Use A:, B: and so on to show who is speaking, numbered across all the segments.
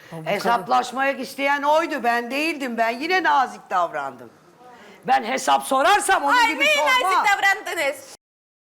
A: Hesaplaşmaya isteyen oydu. Ben değildim. Ben yine nazik davrandım. Ben hesap sorarsam onun gibi
B: Neyi
A: sormam.
B: nazik davrandınız?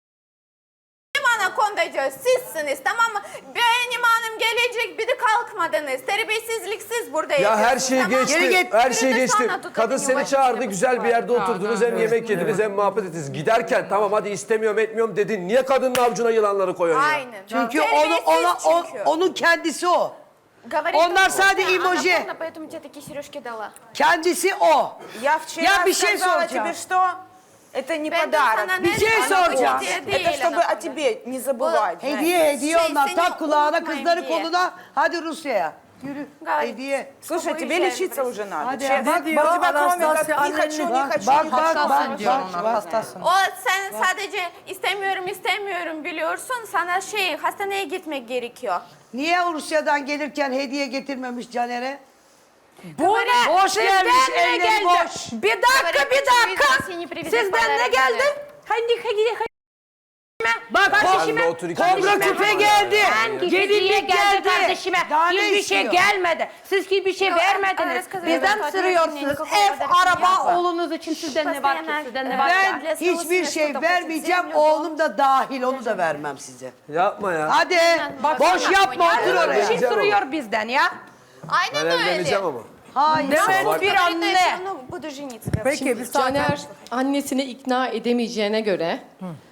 B: Benim anakondacı sizsiniz, tamam mı? Benim hanım gelecek, bir de kalkmadınız. Terbiyesizliksiz burada
C: Ya her
B: yapıyorsunuz,
C: şey
B: tamam mı?
C: geçti.
A: Geri git.
C: Her
B: Biri
C: şey
B: de
C: geçti.
B: sana tutadın,
C: Kadın seni
B: yuvacık
C: çağırdı,
B: yapısı
C: güzel bir
B: var.
C: yerde oturdunuz, hem yemek yediniz hem muhabbet ettiniz. Giderken tamam hadi istemiyorum etmiyorum dedin. Niye kadının avucuna yılanları koyuyorsun ya?
B: Aynen.
A: Çünkü
B: Terbiyesiz çünkü.
A: onun kendisi o.
B: Говорит,
A: Onlar
B: что
A: sadece
B: она
A: emoji.
B: полна, поэтому тебе такие сережки дала.
A: Kendisi o.
D: Я вчера
A: Я bir şey
D: сказала
A: soracağım.
D: тебе, что это не
B: Ben de sana
D: подарок.
B: ne
A: Bir şey
B: dedim?
A: soracağım.
B: Hediye
D: Это
B: değil
D: чтобы о
B: anakondacı.
D: тебе не zabывать.
A: Hediye onlar.
B: seni
A: Tak kulağına,
B: unutmayın
A: kızları
B: diye.
A: koluna. Hadi Rusya'ya. Yürü.
B: Gayet.
A: Hediye.
D: Слушай, тебе
B: Уезжаем
D: лечиться
B: в
D: уже надо.
A: Hadi
D: Честно.
A: bak,
D: У тебя кроме как
E: Анастасия,
D: не хочу, не
E: Анна,
D: хочу,
A: Bak
D: не
A: bak
D: хочу.
A: bak
E: diyor
A: bak.
E: ona,
A: bak.
E: hastasın.
B: O sen sadece istemiyorum biliyorsun. Sana hastaneye gitmek gerekiyor.
A: Niye Rusya'dan gelirken hediye getirmemiş Caner'e?
E: Bu ne?
A: Boş gelmiş,
E: Sizden ne
A: elleri
E: geldi?
A: boş.
E: Bir dakika, bir dakika. Sizden ne geldi? Hadi.
A: Bak
C: Kardeşime, otur iki
A: kobra
C: dakika.
A: küpe geldi.
E: Hangi hediye
A: Gelinlik
E: geldi
A: geldi.
E: kardeşime?
A: Daha ne
E: Hiçbir şey
A: istiyor?
E: gelmedi. Siz hiçbir şey
B: Yo,
E: vermediniz.
B: Araska
E: Bizden
B: zaten
E: sürüyorsunuz.
B: nikakого
E: Ev,
B: pодарка не
E: araba
B: было.
E: oğlunuz için sizden ne var ki? Sizden ne var
A: Ben
E: ki?
A: hiçbir şey vermeyeceğim. Oğlum da dahil. Onu da vermem size.
C: Yapma ya.
A: Hadi. Boş yapma, otur
E: Bir
A: oraya.
E: şey sürüyor bizden ya.
C: Ben
B: Aynen öyle.
C: evleneceğim ama.
A: Hayır.
E: Demek bir anne.
B: Budu жениться.
E: Peki bir
F: Caner annesini ikna edemeyeceğine göre,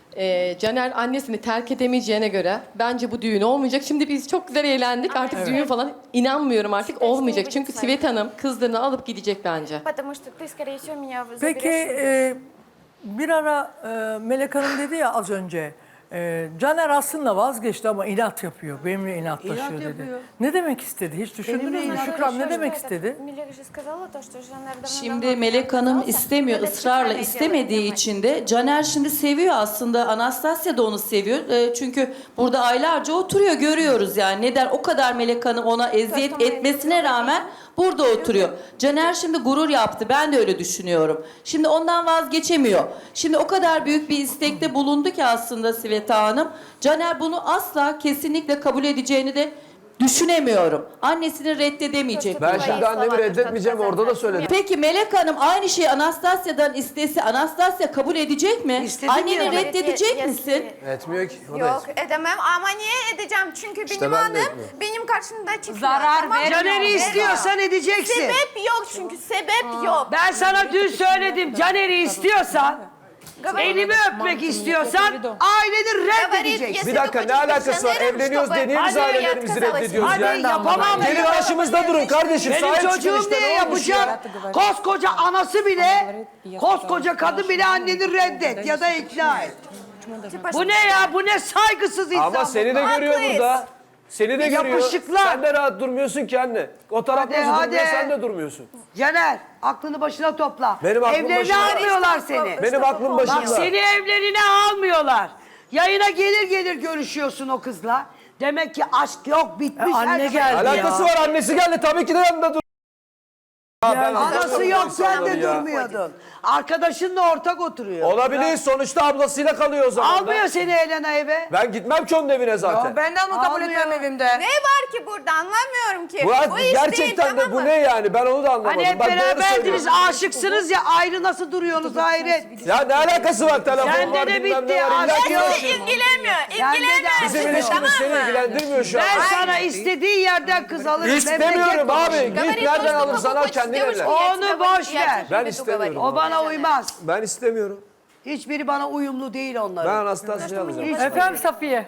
F: Caner annesini terk edemeyeceğine göre bence bu düğün olmayacak. Şimdi biz çok güzel eğlendik. Artık düğün falan inanmıyorum artık olmayacak. Çünkü Sivet Hanım kızlarını alıp gidecek bence.
B: Потому что ты, скорее всего, меня
E: Peki
B: заберешь.
E: bir ara Melek Hanım dedi ya az önce. Caner aslında vazgeçti ama inat yapıyor. Benimle inatlaşıyor
A: İnat
E: dedi.
A: yapıyor.
E: Ne demek istedi? Hiç düşündünüz mü? Şükran ne demek istedi?
B: Melek же сказала то, что Жанар давно
G: Şimdi Melek Hanım istemiyor, ısrarla istemediği için de Caner şimdi seviyor aslında. Anastasya da onu seviyor. Çünkü burada aylarca oturuyor, görüyoruz yani. Neden o kadar Melek Hanım ona eziyet etmesine rağmen burada oturuyor. Caner şimdi gurur yaptı. Ben de öyle düşünüyorum. Şimdi ondan vazgeçemiyor. Şimdi o kadar büyük bir istekte bulundu ki aslında Sveta Hanım. Caner bunu asla kesinlikle kabul edeceğini de düşünemiyorum. Annesini reddedemeyecek.
C: Ben şimdi annemi reddetmeyeceğim, orada da söyledim.
G: Peki Melek Hanım aynı şeyi Anastasya'dan istese Anastasya kabul edecek mi?
A: İstedim
G: Anneni
A: ya.
G: reddedecek misin?
C: Etmiyor ki. O da
B: Yok
C: etmiyor.
B: edemem ama niye edeceğim? Çünkü
C: İşte
B: benim
C: ben de
B: hanım
C: etmiyorum.
B: benim karşımda çıkıyor.
E: Zarar
B: tamam mı?
E: vermiyor.
A: Caner'i istiyorsan edeceksin.
B: Sebep yok çünkü sebep yok.
A: Ben sana dün söyledim. Caner'i istiyorsan, elimi öpmek istiyorsan aileni reddedeceksin.
C: Bir dakika, ne alakası var? Evleniyoruz diye niye biz
A: Hadi
C: ailelerimizi reddediyoruz
A: Hadi
C: ya?
A: yapamam.
C: Gelin başımızda durun kardeşim.
A: Benim
C: Sahip çıkın
A: çocuğum
C: işte,
A: niye
C: ne olmuş ya?
A: yapacak? Koskoca anası bile, koskoca kadın bile anneni reddet ya da ikna et. Bu ne ya? Bu ne saygısız insan
C: Ama
A: bu?
C: seni de görüyor
B: Haklıyız.
C: burada. Seni de görüyor.
A: Yapışıklar.
C: Sen de rahat durmuyorsun ki anne. O taraf
A: Hadi,
C: nasıl
A: hadi.
C: durmuyor, sen de durmuyorsun.
A: Caner, aklını başına topla.
C: Benim aklım
A: Evlerine
C: başında.
A: almıyorlar seni.
C: Benim aklım başında.
A: Bak seni evlerine almıyorlar. Yayına gelir görüşüyorsun o kızla. Demek ki aşk yok, bitmiş.
E: Anne
A: her şey.
E: geldi.
C: Alakası var, annesi geldi. Tabii ki de yanında dur. Ya ben
A: Anası
C: anlamıyorum
A: yok,
C: bu
A: sen de
C: insanları ya.
A: durmuyordun. Arkadaşınla ortak oturuyor.
C: Olabilir, sonuçta ablasıyla kalıyor o zaman.
A: Almıyor seni Elena eve.
C: Ben gitmem ki onun evine zaten.
D: Ben de onu kabul
A: Almıyor.
D: etmem evimde.
B: Ne var ki burada anlamıyorum ki.
C: Bu
B: iş
C: gerçekten
B: değil,
C: de bu
B: tamam
C: ne
B: mı?
C: yani? Ben onu da anlamadım.
A: Hani hep
C: Bak, doğru
A: beraberdiniz,
C: söylüyorsun.
A: aşıksınız ya, ayrı nasıl duruyorsunuz hayret.
C: Ya ne alakası var? Telefon
A: Sende
C: var,
A: de
C: bilmem
A: bitti,
C: ne var. İlla
A: aşk
C: ki
A: yok.
C: var.
B: Sizi ilgilenmiyor.
A: Sende de
B: İlgilenmiyor.
C: Bizim
B: sizi,
C: ilişkimiz
B: tamam
C: seni
B: mı?
C: ilgilendirmiyor şu an.
A: Ben sana istediği yerden kız alırım.
C: İstemiyorum
A: memleket
C: abi.
A: konuşurum.
C: Git
B: Говорит,
C: nereden
B: то, что
C: alırsan al
B: хочешь
C: kendin
B: девушку,
C: evlen.
B: я
A: Onu
B: тебя
A: boş
B: буду- я
A: ver.
B: тебе
C: Ben
B: буду
C: istemiyorum.
B: говорить.
A: O bana uymaz.
C: Ben istemiyorum.
A: Hiçbiri bana uyumlu değil
C: Ben
A: onların.
C: Anastasya'yı alacağım.
E: Efendim Safiye.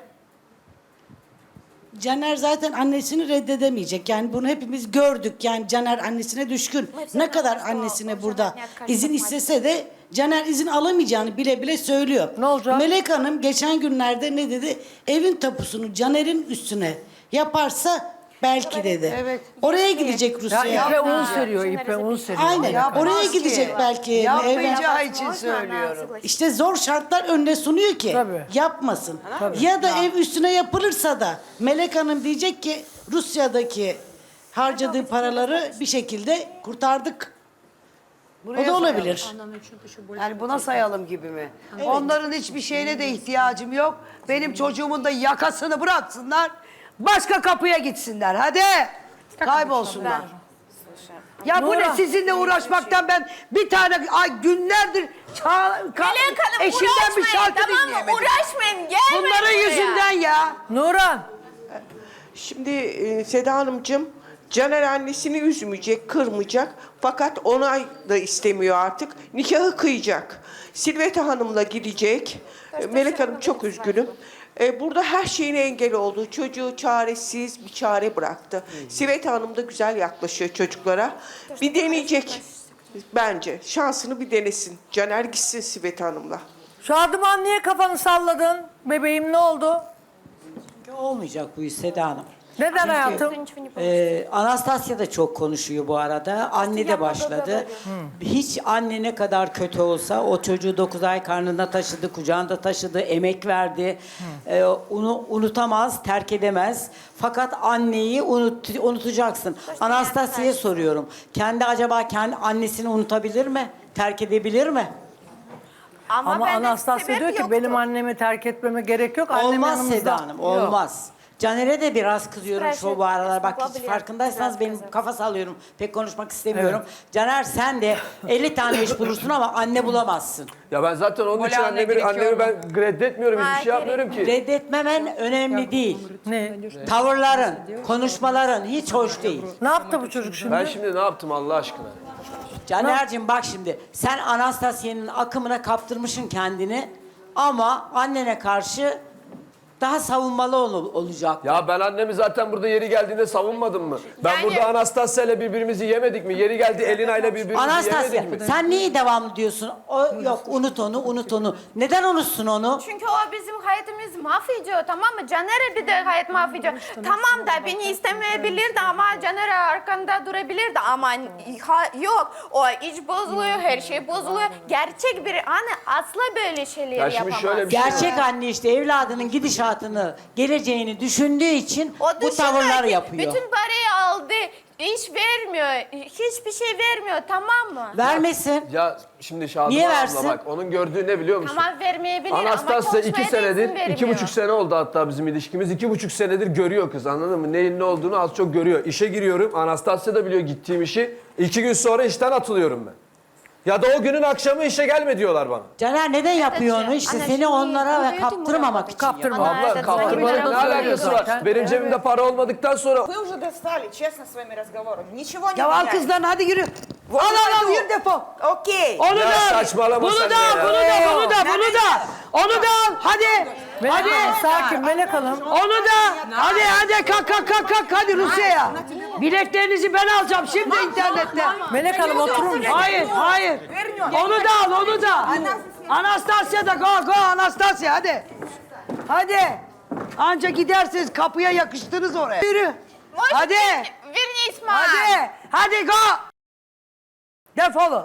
H: Caner zaten annesini reddedemeyecek. Yani bunu hepimiz gördük. Yani Caner annesine düşkün. Ne kadar annesine burada izin istese de Caner izin alamayacağını bile bile söylüyor.
E: Ne olacak?
H: Melek Hanım geçen günlerde ne dedi? Evin tapusunu Caner'in üstüne yaparsa belki dedi.
A: Evet.
H: Oraya gidecek
E: Ya
H: Rusya'ya.
E: ipe un seriyor, ipe un seriyor.
H: Aynen.
A: Yapmaz
H: Oraya
A: ki.
H: gidecek belki.
A: Yapmayacağı için
B: Можно она
A: söylüyorum.
B: согласится?
H: İşte zor şartlar önüne sunuyor ki
E: Tabii.
H: yapmasın. Ya da ev üstüne yapılırsa da Melek Hanım diyecek ki Rusya'daki harcadığı paraları bir şekilde kurtardık.
A: Buraya
H: O da olabilir.
A: sayalım. Yani buna sayalım gibi mi? Onların hiçbir şeyine de ihtiyacım yok. Benim çocuğumun da yakasını bıraksınlar. Başka kapıya gitsinler. Hadi. Kaybolsunlar. Ya bu ne
E: Nora.
A: sizinle uğraşmaktan ben bir tane günlerdir
B: Melek Hanım
A: eşimden bir
B: uğraşmayın
A: şarkı
B: tamam mı?
A: dinleyemedim.
B: Uğraşmayın gelmeyin
A: Bunların
B: buraya.
A: yüzünden ya.
E: Nurhan.
I: Şimdi Seda Hanımcığım, Caner annesini üzmeyecek, kırmayacak. Fakat onay da istemiyor artık. Nikahı kıyacak. Silveta Hanım'la gidecek. Melek Hanım çok üzgünüm. Burada her şeyine engel oldu. Çocuğu çaresiz bir çare bıraktı. Silveta Hanım da güzel yaklaşıyor çocuklara. Bir deneyecek bence. Şansını bir denesin. Caner gitsin Silveta Hanım'la.
E: Şadıman niye kafanı salladın? Bebeğim ne oldu?
J: Olmayacak bu iş Seda Hanım.
E: Neden hayatım?
J: Anastasya da çok konuşuyor bu arada. Anne de başladı. Hiç anne ne kadar kötü olsa o çocuğu 9 ay karnında taşıdı, kucağında taşıdı, emek verdi. Onu unutamaz, terk edemez. Fakat anneyi unutacaksın. Anastasya'ya soruyorum. Kendi acaba kendi annesini unutabilir mi? Terk edebilir mi?
E: Ama
B: bende
E: Anastasya
B: sebep
E: diyor ki
B: yoktu.
E: benim annemi terk etmeme gerek yok. Annem
J: Olmaz
E: yanımızda.
J: Seda Hanım,
E: Yok.
J: olmaz. Caner'e de biraz kızıyorum
B: Her
J: şu
B: şey
J: bu aralar. Bak hiç
B: yapılabilir.
J: farkındaysanız
B: Biraz
J: benim kafa sallıyorum. Pek konuşmak istemiyorum. Caner sen de 50 tane iş bulursun ama anne bulamazsın.
C: Ya ben zaten onun için annemi ben reddetmiyorum. Hiçbir şey yapmıyorum ki.
J: Reddetmemen önemli değil.
E: Ne?
J: Tavırların, konuşmaların hiç hoş değil.
E: Ne yaptı bu çocuk şimdi?
C: Ben şimdi ne yaptım Allah aşkına?
J: Caner'cim bak şimdi sen Anastasya'nın akımına kaptırmışsın kendini ama annene karşı daha savunmalı olacak.
C: Ya ben annemi zaten burada yeri geldiğinde savunmadım mı? Ben
B: Yani-
C: burada Anastasya ile birbirimizi yemedik mi? Yeri geldi Elina ile birbirimizi
J: Anastasya
C: yemedik mi?
J: sen niye devamlı diyorsun? O yok unut onu. Neden unutsun onu?
B: Çünkü o bizim hayatımız mahvediyor tamam mı? Caner'e bir de hayat mahvediyor. Tamam da beni istemeyebilirdi ama Caner'e arkanda durabilirdi ama yok. O iç bozuluyor, her şey bozuluyor. Gerçek bir anne asla böyle şeyler
C: Ya şimdi
B: yapamaz.
C: şöyle bir şey var.
J: Gerçek anne işte evladının gidişatını, geleceğini düşündüğü için
B: O
J: bu tavırlar
B: düşünmüyor ki,
J: yapıyor.
B: bütün parayı aldı, iş vermiyor, hiçbir şey vermiyor tamam mı?
J: Vermesin.
C: Ya şimdi Şadıman
J: Niye
C: abla
J: versin?
C: bak onun gördüğü ne biliyor musun?
B: Tamam vermeyebilir
C: Anastasya
B: ama
C: 2
B: konuşmaya da izin
C: senedir,
B: vermiyor.
C: 2,5 sene oldu hatta bizim ilişkimiz. 2,5 senedir görüyor kız anladın mı? Neyin ne olduğunu az çok görüyor. İşe giriyorum. Anastasya da biliyor gittiğim işi. 2 gün sonra işten atılıyorum ben. Ya da o günün akşamı işe gelme diyorlar bana.
J: Caner neden yapıyor onu? İşte
B: Anne,
J: seni
B: şimdi
J: onlara
B: öyle
J: kaptırmamak için.
E: Kaptırma.
J: yapıyor.
C: Abla kaptırmanın ne alakası var? Benim cebimde para olmadıktan sonra...
D: Вы уже достали, честно, своими разговорами. Ничего не
A: Ya al
D: меняется.
A: kızdan hadi yürü. Al yürü defol.
D: Окей.
A: Onu
C: Ya
A: da al.
C: saçmalama
A: Bunu
C: sen
A: da
C: de
A: al,
C: ya.
A: bunu da. Onu da al. Hadi.
E: Melek
A: Hadi.
E: Hanım sakin Melek Hanım.
A: Onu da. Hadi kalk. Hadi Rusya'ya. Biletlerinizi ben alacağım şimdi internette.
E: Melek Hanım oturur musun?
A: Hayır. Onu da al, onu da. Anastasya da go Anastasya hadi. Hadi. Anca gidersiniz kapıya yakıştınız oraya. Yürü. Hadi.
B: Верни İsmail.
A: Hadi go. Defolun.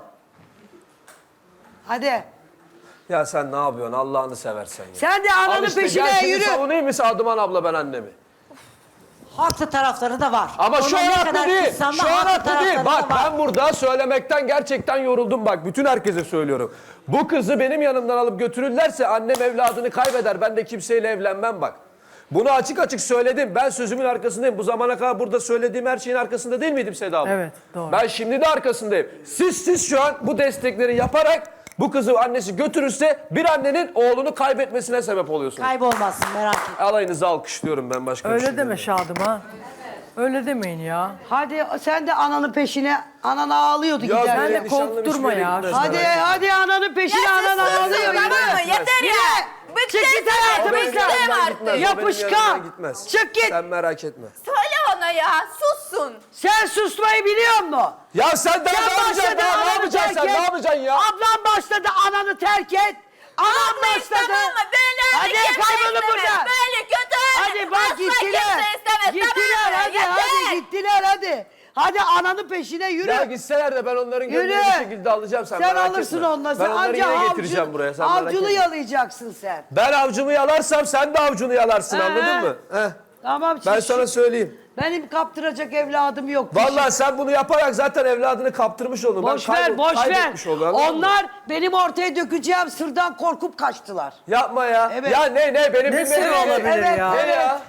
A: Hadi.
C: Ya sen ne yapıyorsun Allah'ını seversen ya.
A: Sen de
C: Al
A: ananın
C: işte,
A: peşine
C: gel şimdi
A: yürü.
C: savunayım mı Sadıman abla ben annemi?
J: Haklı tarafları da var.
C: Ama şu
J: Ona
C: an
J: ne
C: haklı
J: kadar
C: değil.
J: kızsam da
C: Şu an
J: haklı
C: haklı değil.
J: tarafları
C: Bak
J: da var.
C: ben burada söylemekten gerçekten yoruldum bak. Bütün herkese söylüyorum. Bu kızı benim yanımdan alıp götürürlerse annem evladını kaybeder. Ben de kimseyle evlenmem bak. Bunu açık açık söyledim. Ben sözümün arkasındayım. Bu zamana kadar burada söylediğim her şeyin arkasında değil miydim Seda abla?
E: Evet, doğru.
C: Ben şimdi de arkasındayım. Siz şu an bu destekleri yaparak bu kızı annesi götürürse bir annenin oğlunu kaybetmesine sebep oluyorsunuz.
J: Kaybolmazsın merak etme.
C: Alayınızı alkışlıyorum ben başka bir şey
E: Öyle deme
C: demiyorum.
E: Şadıman. Öyle demeyin ya.
A: Hadi sen de ananın peşine. Anan ağlıyordu
C: Ya
A: gider.
E: Sen de
C: benim nişanlım
E: korkturma
C: hiçbir yere
E: ya.
C: gitmez,
A: Hadi
C: merak etme.
A: ananın peşine anan ağlıyor
B: Tamam mı?
A: yürü.
B: Yeter ya.
A: Çık git hayatımızdan.
B: Bıktım
C: Gitmez,
B: artık.
C: o benim
A: Yapışkan.
C: yanımdan gitmez.
A: Çık git.
C: Sen merak etme.
B: Söyle ona ya sussun.
A: Sen susmayı biliyor musun?
C: Ya sen daha ne yapacaksın? Daha ne
A: ananı
C: yapacaksın sen?
A: terk
C: Ne
A: et.
C: yapacaksın ya?
A: Ablam başladı ananı terk et. Anam başladı.
B: Tamam mı? Böyle
A: Hadi
B: kimse
A: kaybolun
B: istemez.
A: burada.
B: Böyle kötü.
A: Hadi bak
B: Asla
A: gittiler.
B: kimse istemez.
A: Gittiler
B: Tamam mı?
A: hadi
B: Yeter.
A: gittiler hadi. Hadi ananın peşine yürü.
C: Ya gitseler de ben onların
A: Yürü.
C: gönlünü bir şekilde alacağım sen,
A: Sen
C: merak
A: alırsın
C: etme.
A: onları.
C: Ben
A: Sen
C: onları
A: anca
C: yine getireceğim buraya sen merak
A: avcunu
C: etme.
A: yalayacaksın sen.
C: Ben avcumu yalarsam sen de avcunu yalarsın anladın mı? Heh.
A: Tamam.
C: Ben sana söyleyeyim.
A: Benim kaptıracak evladım yok.
C: Vallahi sen bunu yaparak zaten evladını kaptırmış oldun.
A: Boş ver, boş ver.
C: Kaybetmiş oldun, anladın mı?
A: Onlar benim ortaya dökeceğim sırdan korkup kaçtılar.
C: Yapma ya.
A: Evet.
C: Ya ne benim
E: Ne
C: bilmediğim
E: sır olabilir
A: evet,
E: ya?
C: Ne ya?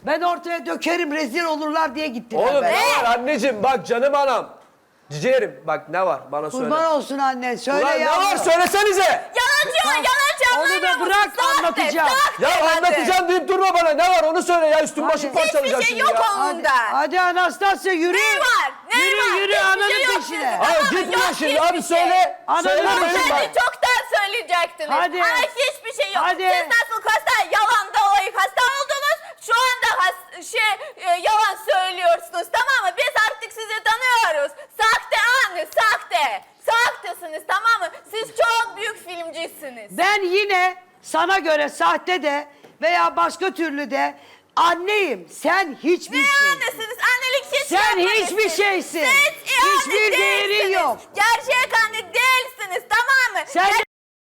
A: Ben ortaya dökerim, rezil olurlar diye gittiler.
C: Oğlum
A: ben.
C: ne var anneciğim? Bak canım anam. Ciğerim bak ne var bana söyle.
A: Kurban olsun annen, söyle
C: Ulan
A: ya.
C: ne var söylesenize.
B: Yalancı
A: Onu da
B: anlamıyor
A: bırak,
B: musun? Sahte,
A: anlatacağım.
B: sahte
C: Ya
B: hadi.
C: anlatacağım deyip durma bana. Ne var onu söyle ya. Üstüm başım parçalayacak
B: Hiçbir şey
C: şimdi
B: yok
C: ya.
B: onda.
A: Hadi Anastasya yürü.
B: Ne var? Ne
A: yürü,
B: var?
A: Yürü
B: Hiçbir
A: ananın
B: şey yok
A: peşine.
B: sizin.
C: Abi
B: Tamam,
C: gitmiyor
B: yok
C: şimdi.
B: hiçbir
C: Abi
B: şey.
C: söyle.
A: Ananı
C: Söyle
A: da
C: benim
B: Hadi
C: bak.
B: çoktan söyleyecektiniz.
A: Hadi.
B: Hayır hiçbir şey yok.
A: Hadi.
B: Siz nasıl yalan dolayı hasta oldunuz? Şu anda yalan söylüyorsunuz, tamam mı? Biz artık sizi tanıyoruz. Sahte anne, sahte. Sahtesiniz, tamam mı? Siz çok büyük filmcisiniz.
A: Ben yine sana göre sahte de veya başka türlü de anneyim. Sen hiçbir
B: Ne
A: şeysin.
B: annesiniz? Annelik hiç
A: Sen
B: yapmayın
A: hiçbir
B: siz.
A: şeysin.
B: Siz
A: Hiçbir
B: anne
A: değerin
B: değilsiniz.
A: yok.
B: Gerçek anne değilsiniz, tamam mı?
A: Sen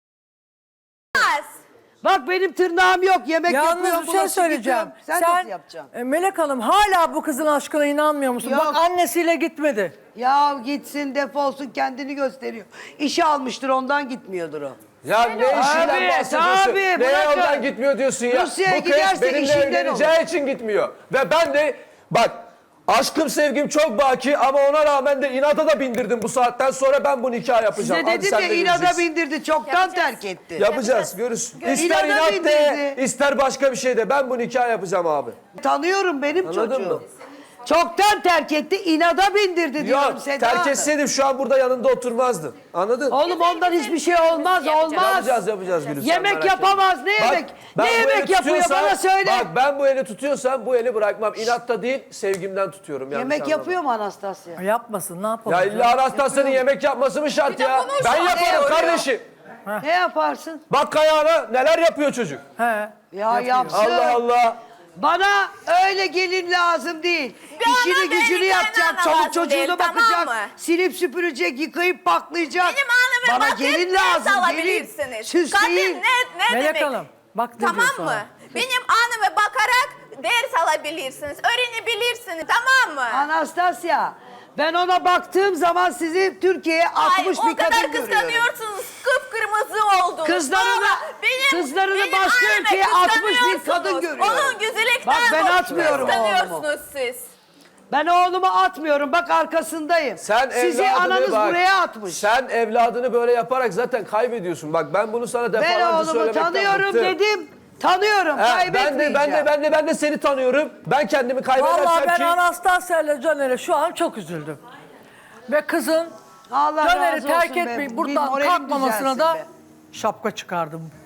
B: Gelmez.
A: bak benim tırnağım yok. Yemek yapıyorum.
E: Yalnız bir şey
A: bulaşık
E: söyleyeceğim.
A: yıkıyorum. Sen nasıl yapacaksın?
E: Melek Hanım hala bu kızın aşkına inanmıyor musun?
A: Yok.
E: Bak annesiyle gitmedi.
A: Ya gitsin defolsun kendini gösteriyor. İşe almıştır ondan gitmiyordur o.
C: Ya ne işinden
A: Tabii,
C: bahsediyorsun?
A: tabii,
C: Neye
A: bırakın.
C: ondan gitmiyor diyorsun ya?
A: Rusya'ya
C: Bu kız
A: giderse
C: benimle
A: işinden
C: evleneceği için gitmiyor. Ve ben de bak aşkım sevgim çok baki ama ona rağmen de inata da bindirdim bu saatten sonra ben bu nikah yapacağım.
A: Size
C: Hadi
A: dedim
C: sen
A: ya
C: de
A: inada
C: göreceksin.
A: bindirdi çoktan
B: Yapacağız.
A: terk etti.
C: Yapacağız görürsün. İster
A: İnada
C: inat de
A: bindirdi.
C: ister başka bir şey de ben bu nikah yapacağım abi.
A: Tanıyorum benim
C: Anladın
A: çocuğum.
C: mı?
A: Çoktan terk etti, inada bindirdi diyorum
C: Yok
A: Seda
C: terk
A: Hanım.
C: etseydim şu an burada yanında oturmazdım. Anladın?
A: Oğlum ondan hiçbir şey olmaz, olmaz.
C: Yapacağız Gülüm. sen
A: Yemek
C: merak etme.
A: yapamaz, ne
C: Bak,
A: yemek?
C: ben
A: Ne
C: bu
A: yemek
C: eli
A: yapıyor
C: tutuyorsam-
A: bana söyle.
C: Bak ben bu eli tutuyorsam bu eli bırakmam. İnatta değil sevgimden tutuyorum. yanlış
A: Yemek
C: anlama.
A: yapıyor mu Anastasya?
E: Yapmasın ne yapalım?
C: Ya illa Anastasya'nın yemek yapması mı şart
B: de
C: ya?
B: bunu
C: Ben
B: şöyle
C: yaparım
B: oluyor.
C: kardeşim.
A: Ne yaparsın?
C: Bak ayağına neler yapıyor çocuk.
E: He.
A: Ya yapsın.
C: Allah Allah.
A: Bana öyle gelin lazım değil.
B: Bir
A: İşini
B: ana
A: gücünü
B: benim
A: yapacak,
B: kaynana
A: çoluk
B: lazım
A: çocuğuna
B: değil,
A: bakacak,
B: tamam mı?
A: silip süpürecek, yıkayıp paklayacak.
B: Benim anneme
A: Bana
B: bakıp
A: gelin
B: ders
A: lazım, gelin.
B: alabilirsiniz.
A: Süs
B: Kadın
A: değil.
B: ne
E: Melek
B: demek?
E: Hanım bak ne diyor
B: Tamam
E: sana.
B: mı? Benim anneme bakarak ders alabilirsiniz, öğrenebilirsiniz, tamam mı?
A: Anastasya, ben ona baktığım zaman sizi Türkiye'ye atmış
B: Ay,
A: bir
B: o kadar
A: kadın görüyorum.
B: kıskanıyorsunuz, kıpkırmızı oldunuz.
A: Kızlarını-
B: Sonra
A: kızlarını
B: benim
A: başka
B: anneme
A: ülkeye atmış bir
B: kıskanıyorsunuz.
A: kadın görüyorum.
B: Onun güzellikten
A: Bak ben
B: dolayı
A: atmıyorum
B: kıskanıyorsunuz siz.
A: Ben oğlumu atmıyorum, bak arkasındayım.
C: Sen
A: Sizi
C: evladını
A: ananız
C: bak,
A: buraya atmış.
C: Sen evladını böyle yaparak zaten kaybediyorsun. Bak ben bunu sana
A: Ben
C: defalarca
A: oğlumu
C: söylemekten
A: tanıyorum
C: bıktım.
A: dedim. Tanıyorum,
C: He,
A: kaybetmeyeceğim.
C: ben de seni tanıyorum. Ben kendimi kaybedersem
E: Vallahi ben
C: ki...
E: Anastasya ile Caner'e şu an çok üzüldüm. Ve kızın
A: Allah
E: Caner'i
A: razı
E: terk
A: olsun be.
E: etmeyip
A: Bir
E: buradan
A: moralim
E: kalkmamasına
A: düzelsin
E: da
A: be.
E: şapka çıkardım.